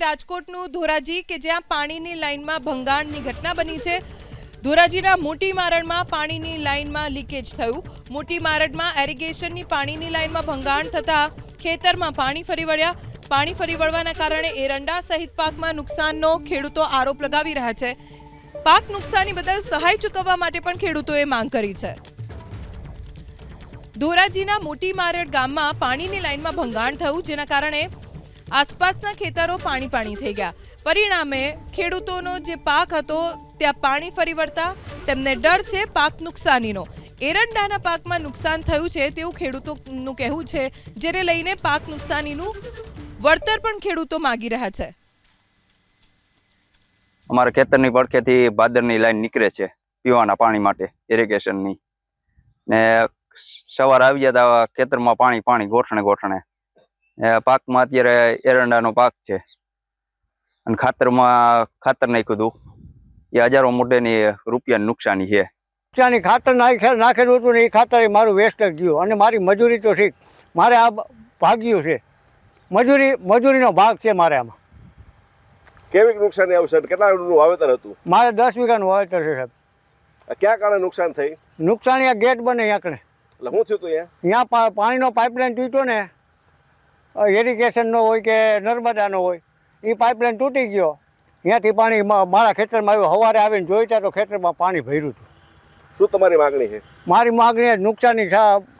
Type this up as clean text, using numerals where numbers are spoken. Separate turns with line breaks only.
રાજકોટનું ધોરાજી કે જ્યાં પાણીની લાઇનમાં ભંગાણની ઘટના બની છે। ધોરાજીના મોટી મારણમાં પાણીની લાઇનમાં લીકેજ થયું। મોટી મારણમાં એરિગેશનની પાણીની લાઇનમાં ભંગાણ થતાં ખેતરમાં પાણી ફરી વળ્યા। પાણી ફરી વળવાના કારણે એરંડા સહિત પાકમાં નુકસાનનો ખેડૂતો આરોપ લગાવી રહ્યા છે। પાક નુકસાની બદલ સહાય ચૂકવવા માટે પણ ખેડૂતોએ માંગ કરી છે। ધોરાજીના મોટી મારડ ગામમાં પાણીની લાઇનમાં ભંગાણ થયું, જેના કારણે આસપાસના ખેતરો પાણી થઈ ગયા। પરિણામે ખેડૂતોનો જે પાક હતો ત્યાં પાણી ફરી વળતા તેમને ડર છે પાક નુકસાનીનો। એરંડાના પાકમાં નુકસાન થયું છે તેવું ખેડૂતોનું કહેવું છે, જેને લઈને પાક નુકસાનીનું વળતર પણ ખેડૂતો માંગી રહ્યા છે।
અમારા ખેતરની પડખેથી ભાદરની લાઈન નીકળે છે પીવાના પાણી માટે ઇરિગેશનની, ને સવાર આવી જતા ખેતરમાં પાણી ગોઠણે પાકમાં અત્યારે એરંડાનો પાક છે અને ખાતર નાખ્યું હતું, એ હજારો મોટેની રૂપિયાની નુકસાની છે।
નુકસાની ખાતર નાખેલું હતું ને એ ખાતર મારું વેસ્ટ જ ગયું અને મારી મજૂરી તો ઠીક, મારે આ ભાગ્યું છે, મજૂરીનો ભાગ છે મારે આમાં।
કેવી નુકસાની આવશે? કેટલાનું વાવેતર હતું?
મારે 10 વીઘાનું વાવેતર છે સાહેબ।
ક્યાં કારણે નુકસાન થઈ?
નુકસાની આ ગેટ બને યાકણે,
એટલે શું થયું હતું?
અહીંયા પાણીનો પાઇપલાઇન તૂટ્યો ને, ઇરિગેશનનો હોય કે નર્મદાનો હોય, એ પાઇપલાઇન તૂટી ગયો, ત્યાંથી પાણી મારા ખેતરમાં આવ્યું। સવારે આવીને જોઈતા તો ખેતરમાં પાણી ભર્યું હતું।
શું તમારી માગણી છે?
મારી માગણી નુકસાની